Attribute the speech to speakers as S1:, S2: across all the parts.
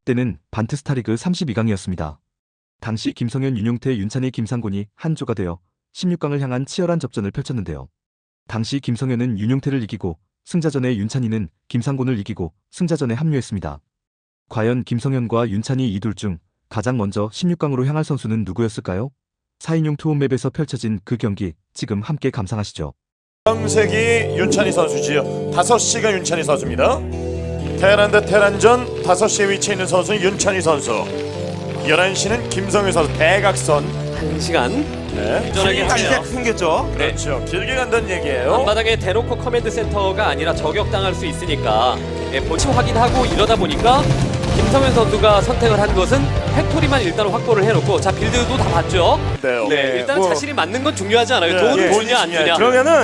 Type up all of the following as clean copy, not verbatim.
S1: 때는 반트스타리그 32강이었습니다. 당시 김성현, 윤용태, 윤찬희, 김상곤이 한 조가 되어 16강을 향한 치열한 접전을 펼쳤는데요. 당시 김성현은 윤용태를 이기고 승자전에 윤찬희는 김상곤을 이기고 승자전에 합류했습니다. 과연 김성현과 윤찬희 이 둘 중 가장 먼저 16강으로 향할 선수는 누구였을까요? 4인용 투혼맵에서 펼쳐진 그 경기 지금 함께 감상하시죠.
S2: 황색이 윤찬희 선수지요. 5시가 윤찬희 선수입니다. 테란 대 테란전 5시에 위치해 있는 선수는 윤찬희 선수, 11시는 김성현 선수. 대각선
S3: 1시간
S2: 네.
S3: 안전하게 하네요.
S4: 생겼죠.
S3: 네.
S2: 그렇죠. 길게 간다는 얘기예요.
S3: 앞바닥에 대놓고 커맨드 센터가 아니라 저격당할 수 있으니까 본치 확인하고 이러다 보니까 김성현 선수가 선택을 한 것은 팩토리만 일단 확보를 해놓고, 자 빌드도 다 봤죠.
S2: 네.
S3: 네, 일단 자신이 맞는 건 중요하지 않아요.
S2: 네,
S3: 돈을
S2: 예.
S3: 주냐 안 주냐.
S4: 그러면은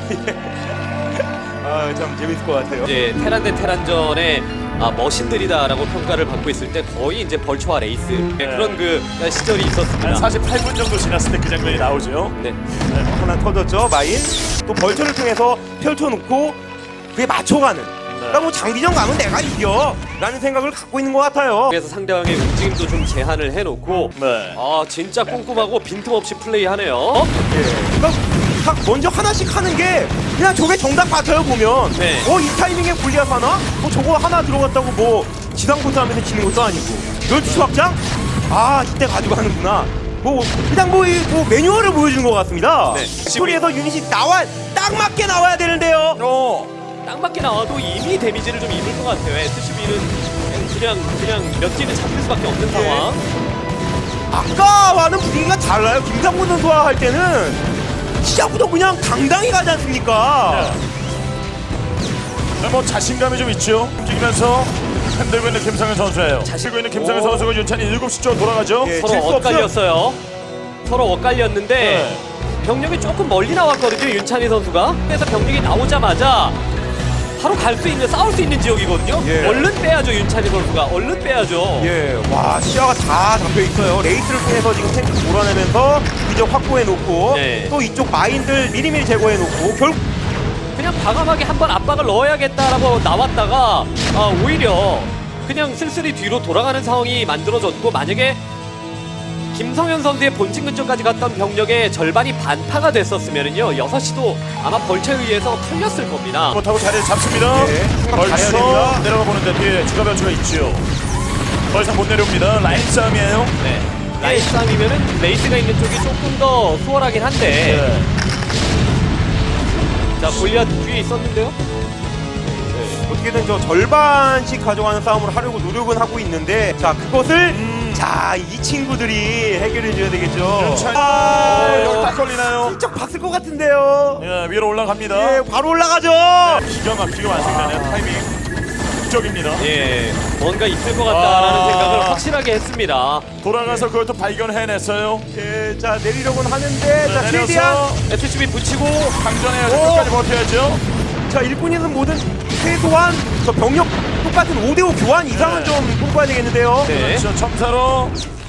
S4: 참 재밌을 것 같아요.
S3: 이제 테란 대 테란전에 머신들이다라고 평가를 받고 있을 때 거의 이제 벌초와 레이스 그런 그 시절이
S2: 한
S3: 있었습니다.
S2: 48분 정도 지났을 때 그 장면이 나오죠.
S3: 네.
S4: 하나 터졌죠. 마인 또 벌처를 통해서 펼쳐놓고 그게 맞춰가는. 그러니까 뭐 장기전 가면 내가 이겨 라는 생각을 갖고 있는 것 같아요.
S3: 그래서 상대방의 움직임도 좀 제한을 해놓고
S2: 네.
S3: 진짜 꼼꼼하고 빈틈없이 플레이하네요.
S4: 그러니까 각 먼저 하나씩 하는 게 그냥 저게 정답 같아요 보면.
S3: 네.
S4: 이 타이밍에 골리앗 하나? 뭐 저거 하나 들어갔다고 뭐 지상포트 하면서 지는 것도 아니고 12시 확장? 이때 가지고 하는구나. 그냥 뭐 매뉴얼을 보여주는 것 같습니다.
S3: 네.
S4: 스토리에서 유닛이 딱 맞게 나와야 되는데요.
S3: 딱 맞게 나와도 이미 데미지를 좀 입을 것 같아요. SCB는 그냥 몇 개는 잡힐 수밖에 없는 상황.
S4: 아까와는 분위기가 달라요. 김상곤 선수와 할 때는 시작부터 그냥 당당히 가지 않습니까?
S2: 네, 뭐 자신감이 좀 있죠. 움직이면서 흔들고 있는 김성현 선수예요. 흔들고 있는 김성현 선수가 윤찬희 7시 쪽으로 돌아가죠.
S4: 예.
S3: 서로
S4: 질수
S3: 엇갈렸어요. 서로 엇갈렸는데
S2: 네.
S3: 병력이 조금 멀리 나왔거든요. 윤찬희 선수가. 그래서 병력이 나오자마자 바로 갈 수 있는, 싸울 수 있는 지역이거든요.
S4: 예.
S3: 얼른 빼야죠. 윤찬희 선수가 얼른 빼야죠.
S4: 예, 와 시야가 다 잡혀 있어요. 레이스를 통해서 지금 탱크 몰아내면서 위적 확보해 놓고
S3: 네.
S4: 또 이쪽 마인들 미리미리 제거해 놓고 결국
S3: 그냥 과감하게 한번 압박을 넣어야겠다라고 나왔다가 오히려 그냥 쓸쓸히 뒤로 돌아가는 상황이 만들어졌고, 만약에 김성현 선수의 본진 근처까지 갔던 병력의 절반이 반파가 됐었으면요 6시도 아마 벌처에 의해서 털렸을 겁니다.
S2: 못하고 자리를 잡습니다.
S4: 네, 생각 잘해야
S2: 벌써
S4: 됩니다.
S2: 내려가 보는데 뒤에 추가 변수가 있죠. 더 이상 못 내려옵니다. 라인 싸움이에요.
S3: 네. 라인 싸움이면은 레이스가 있는 쪽이 조금 더 수월하긴 한데
S2: 네.
S3: 자 골리앗 뒤에 있었는데요.
S4: 어떻게든 저 절반씩 가져가는 싸움을 하려고 노력은 하고 있는데 자 그것을 자 이 친구들이 해결해 줘야 되겠죠.
S2: 윤찬희 여기 딱 걸리나요?
S4: 슬쩍 봤을 것 같은데요.
S2: 예, 위로 올라갑니다.
S4: 예, 바로 올라가죠.
S2: 기가 막히게 완성되네요. 타이밍 극적입니다.
S3: 예, 뭔가 있을 것 같다라는 생각을 확실하게 했습니다.
S2: 돌아가서 그걸 또 발견해냈어요.
S4: 예, 자 내리려고는 하는데 자 최대한
S2: 내려서
S3: SCB 붙이고
S2: 강전해야죠.
S4: 오!
S2: 끝까지 버텨야죠.
S4: 자 일꾼이든 뭐든 최소한 저 병력 똑같은 5대5 교환 이상은
S2: 네.
S4: 좀 뽑아야 되겠는데요.
S3: 네.
S2: 그렇죠. 첨사로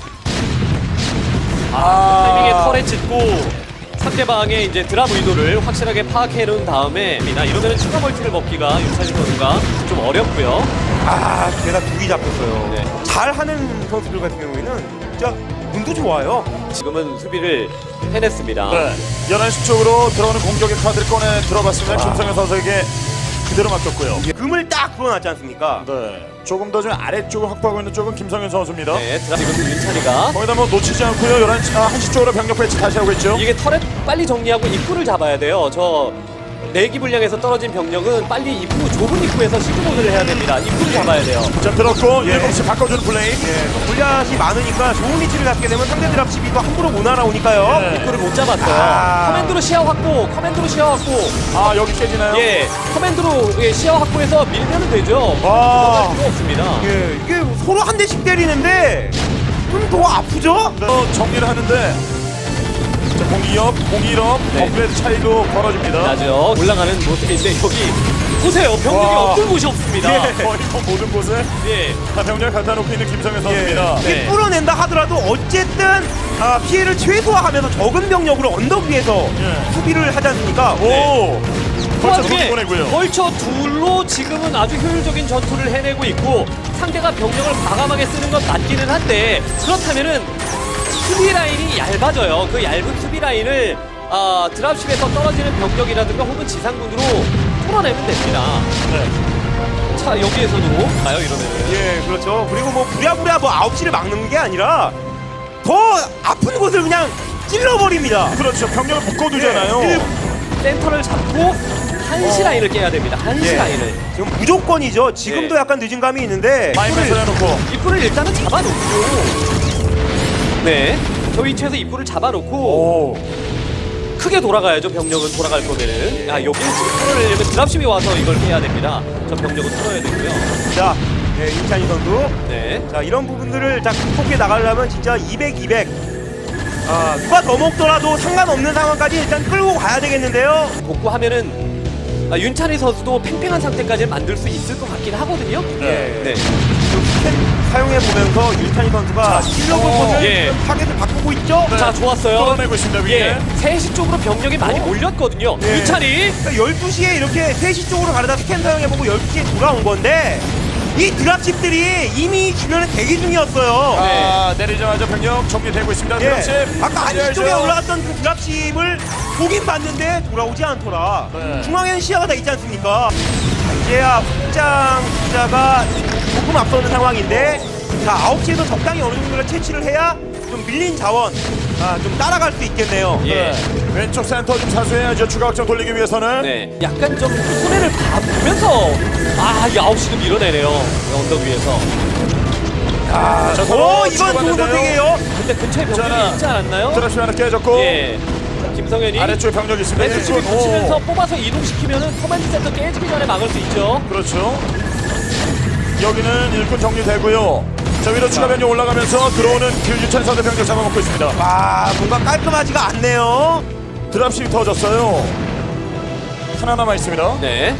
S3: 타이밍에 털에 짚고 상대방의 이제 드랍 의도를 확실하게 파악해 놓은 다음에 이러면은 추가 멀티를 먹기가 윤찬희 선수가 좀 어렵고요.
S4: 제가 두기 잡혔어요.
S3: 네.
S4: 잘하는 선수들 같은 경우에는 진짜 운도 좋아요.
S3: 지금은 수비를 해냈습니다.
S2: 네. 11시 쪽으로 들어오는 공격의 카드를 꺼내 들어봤습니다. 김성현 선수에게 그대로 맡겼고요.
S4: 금을 딱 풀어놨지 않습니까?
S2: 네. 조금 더 좀 아래쪽을 확보하고 있는 쪽은 김성현 선수입니다.
S3: 네, 드랍 지금 윤찬희가
S2: 거기다 뭐 놓치지 않고요. 1시 쪽으로 병력 배치 다시 하고 있죠.
S3: 이게 털에 빨리 정리하고 입구를 잡아야 돼요. 저 내기 분량에서 떨어진 병력은 빨리 입구, 좁은 입구에서 시그모드를 해야 됩니다. 입구를 잡아야 돼요.
S2: 자, 들었고
S4: 예.
S2: 7시 바꿔주는 플레이.
S4: 예, 골리앗이 많으니까 좋은 위치를 잡게 되면 상대 드랍 시비도 함부로 못 날아오니까요.
S2: 네.
S3: 입구를 못 잡았어요.
S4: 아.
S3: 커맨드로 시야 확보, 커맨드로 시야 확보.
S2: 아, 여기 깨지나요?
S3: 예, 커맨드로 시야 확보해서 밀면 되죠.
S2: 와.
S3: 들어갈 필요 없습니다.
S4: 예, 이게 서로 한 대씩 때리는데 좀 더 아프죠?
S2: 정리를 하는데 자, 공이업
S3: 네.
S2: 업그레이드 차이도 벌어집니다.
S3: 나죠. 올라가는 모습인데 여기 보세요. 병력이
S2: 와.
S3: 없을 곳이 없습니다.
S2: 예. 거의 뭐 모든 곳에
S3: 예.
S2: 다 병력을 갖다 놓고 있는 김성현 선수입니다.
S3: 네.
S4: 이게 뚫어낸다 하더라도 어쨌든 피해를 최소화하면서 적은 병력으로 언덕 위에서
S2: 예.
S4: 수비를 하지 않습니까?
S2: 오!
S3: 그
S2: 벌쳐
S3: 와중에
S2: 둘 보내고요.
S3: 벌쳐 둘로 지금은 아주 효율적인 전투를 해내고 있고 상대가 병력을 과감하게 쓰는 건 맞기는 한데 그렇다면은 수비 라인이 얇아져요. 그 얇은 수비 라인을 드랍십에서 떨어지는 병력이라든가 혹은 지상군으로 뚫어내면 됩니다.
S2: 네.
S3: 자 여기에서도 가요 이러면은.
S4: 예, 그렇죠. 그리고 뭐 부랴부랴 뭐 9시를 막는 게 아니라 더 아픈 곳을 그냥 찔러버립니다.
S2: 그렇죠. 병력을 묶어두잖아요.
S4: 예,
S3: 센터를 잡고 한시 라인을 깨야 됩니다. 한시
S4: 예.
S3: 라인을.
S4: 지금 무조건이죠. 지금도
S3: 네.
S4: 약간 늦은 감이 있는데
S2: 마이너스 해놓고.
S3: 입구를 일단은 잡아놓고 네. 저 위치에서 입구를 잡아놓고
S2: 오.
S3: 크게 돌아가야죠. 병력은 돌아갈 거면은. 여기는 지금 뚫어내려면 드랍십이 와서 이걸 깨야 됩니다. 저 병력은 뚫어야 되고요.
S4: 자, 예, 윤찬희 선수.
S3: 네.
S4: 자, 이런 부분들을 다 극복해 나가려면 진짜 200, 200. 누가 더 먹더라도 상관없는 상황까지 일단 끌고 가야 되겠는데요.
S3: 복구하면은 윤찬희 선수도 팽팽한 상태까지 만들 수 있을 것 같긴 하거든요.
S2: 네.
S3: 네.
S4: 스캔 사용해 보면서 윤찬희 선수가 찔러볼 것을
S3: 예.
S4: 타겟을 바꾸고 있죠.
S2: 네.
S3: 자, 좋았어요.
S2: 끌어내고 있습니다. 위에.
S3: 예. 3시 쪽으로 병력이 많이 몰렸거든요.
S4: 예.
S3: 윤찬희.
S4: 그러니까 12시에 이렇게 3시 쪽으로 가려다 스캔 사용해보고 12시에 돌아온 건데 이 드랍십들이 이미 주변에 대기 중이었어요.
S2: 내리자마자 병력 정리되고 있습니다.
S4: 예.
S2: 드랍십.
S4: 아까
S2: 달려야죠.
S4: 안쪽에 올라갔던 그 드랍십을 보긴 봤는데 돌아오지 않더라.
S2: 네.
S4: 중앙에는 시야가 다 있지 않습니까? 자, 이제야 확장 숫자가 조금 앞서는 상황인데 자 9시에도 적당히 어느 정도를 채취를 해야 좀 밀린 자원 좀 따라갈 수 있겠네요.
S3: 예.
S2: 네. 왼쪽 센터 좀 사수해야죠. 추가 확장 돌리기 위해서는.
S3: 네. 약간 좀 손해를 보면서 이 9시도 밀어내네요. 언덕 위에서.
S2: 자,
S4: 오
S2: 서로
S4: 이건 좋은
S2: 치고받는데요.
S4: 선택이에요.
S3: 근데 근처에 병력이
S2: 자,
S3: 있지 않았나요?
S2: 드랍십 하나 깨졌고.
S3: 예. 김성현이
S2: 아래쪽에 병력이 있습니다.
S3: SCB
S2: 오.
S3: 붙이면서 뽑아서 이동시키면은 커맨드 센터 깨지기 전에 막을 수 있죠.
S2: 그렇죠. 여기는 일꾼 정리되고요. 자, 위로 추가 병력 올라가면서 들어오는 윤찬희 선수 병력 잡아먹고 있습니다.
S4: 와 뭔가 깔끔하지가 않네요.
S2: 드랍십이 터졌어요. 하나 남아 있습니다.
S3: 네.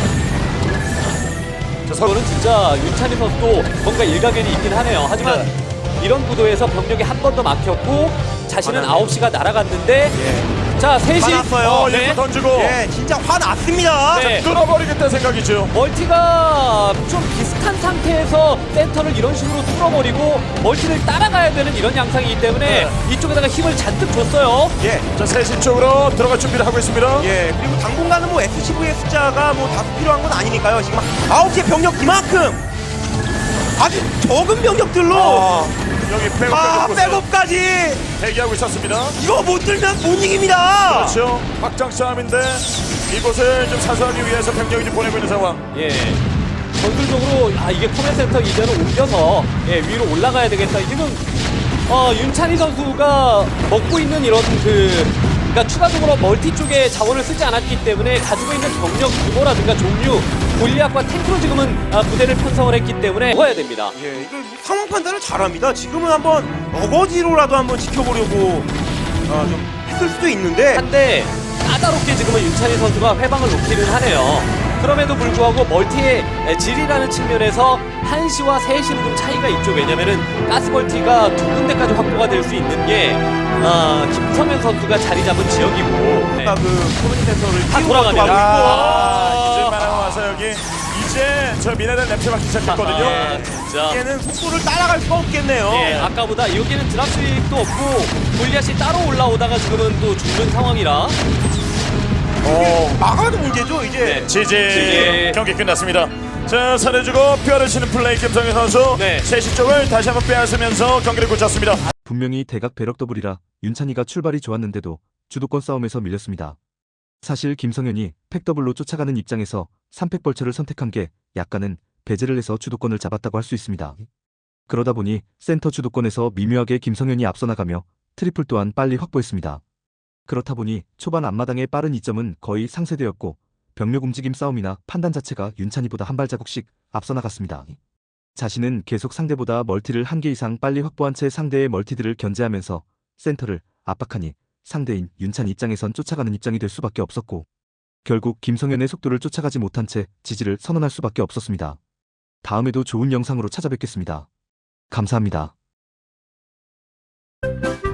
S2: 자, 서로
S3: 이거는 진짜 윤찬희 선수도 뭔가 일가견이 있긴 하네요. 하지만 이런 구도에서 병력이 한 번 더 막혔고 자신은
S4: 화나네요.
S3: 9시가 날아갔는데 자 3시
S4: 화났어요.
S3: 네.
S2: 일꾼 던지고
S4: 예 진짜 화났습니다.
S3: 네.
S2: 뚫어버리겠다는 생각이죠.
S3: 멀티가 좀 비슷한 상태에서 센터를 이런 식으로 뚫어버리고 멀티를 따라가야 되는 이런 양상이기 때문에 이쪽에다가 힘을 잔뜩 줬어요.
S4: 예.
S2: 자, 3시 쪽으로 들어갈 준비를 하고 있습니다.
S4: 예, 그리고 당분간은 뭐 SCV의 숫자가 뭐 다수 필요한 건 아니니까요. 지금 9시에 병력 이만큼 아주 적은 병력들로
S2: 여기 백업까지
S4: 백업까지
S2: 대기하고 있었습니다.
S4: 이거 못 들면 못 이깁니다.
S2: 그렇죠. 확장 싸움인데 이곳을 좀 사수하기 위해서 병력이 좀 보내고 있는 상황.
S3: 예. 전술적으로 이게 커맨 센터 이제는 옮겨서 위로 올라가야 되겠다. 지금 윤찬희 선수가 먹고 있는 이런 그러니까 추가적으로 멀티 쪽에 자원을 쓰지 않았기 때문에 가지고 있는 병력 규모라든가 종류, 골리앗과 탱크로 지금은 부대를 편성을 했기 때문에 먹어야 됩니다.
S4: 예, 이거 상황 판단을 잘합니다. 지금은 한번 어거지로라도 한번 지켜보려고 좀 했을 수도 있는데
S3: 한데 까다롭게 지금은 윤찬희 선수가 회방을 놓기는 하네요. 그럼에도 불구하고 멀티의 질이라는 측면에서 1시와 3시는 좀 차이가 있죠. 왜냐면은 가스멀티가 2군데까지 확보가 될 수 있는 게 김성현 선수가 자리 잡은 지역이고 네.
S4: 그 커뮤니티 센터를
S3: 다
S4: 띄우고
S3: 돌아가네요.
S4: 가고
S2: 이제 만화가 와서 여기 이제 저 미네랄 냄새 맡기 시작했거든요.
S3: 진짜.
S4: 이제는 속도를 따라갈 수가 없겠네요.
S3: 예, 아까보다 여기는 드랍십도 없고 골리앗이 따로 올라오다가 지금은 또 죽는 상황이라
S4: 막아도 문제죠 이제.
S3: 네.
S2: 지지 경기 끝났습니다. 자, 살해주고 뼈를 치는 플레이 김성현 선수.
S3: 네.
S2: 3시 쪽을 다시 한번 빼앗으면서 경기를 굳혔습니다.
S1: 분명히 대각 배럭 더블이라 윤찬이가 출발이 좋았는데도 주도권 싸움에서 밀렸습니다. 사실 김성현이 팩더블로 쫓아가는 입장에서 3팩 벌처를 선택한 게 약간은 배제를 해서 주도권을 잡았다고 할 수 있습니다. 그러다 보니 센터 주도권에서 미묘하게 김성현이 앞서 나가며 트리플 또한 빨리 확보했습니다. 그렇다 보니 초반 앞마당의 빠른 이점은 거의 상쇄되었고 병력 움직임 싸움이나 판단 자체가 윤찬이보다 한 발자국씩 앞서 나갔습니다. 자신은 계속 상대보다 멀티를 한 개 이상 빨리 확보한 채 상대의 멀티들을 견제하면서 센터를 압박하니 상대인 윤찬이 입장에선 쫓아가는 입장이 될 수밖에 없었고 결국 김성현의 속도를 쫓아가지 못한 채 지지를 선언할 수밖에 없었습니다. 다음에도 좋은 영상으로 찾아뵙겠습니다. 감사합니다.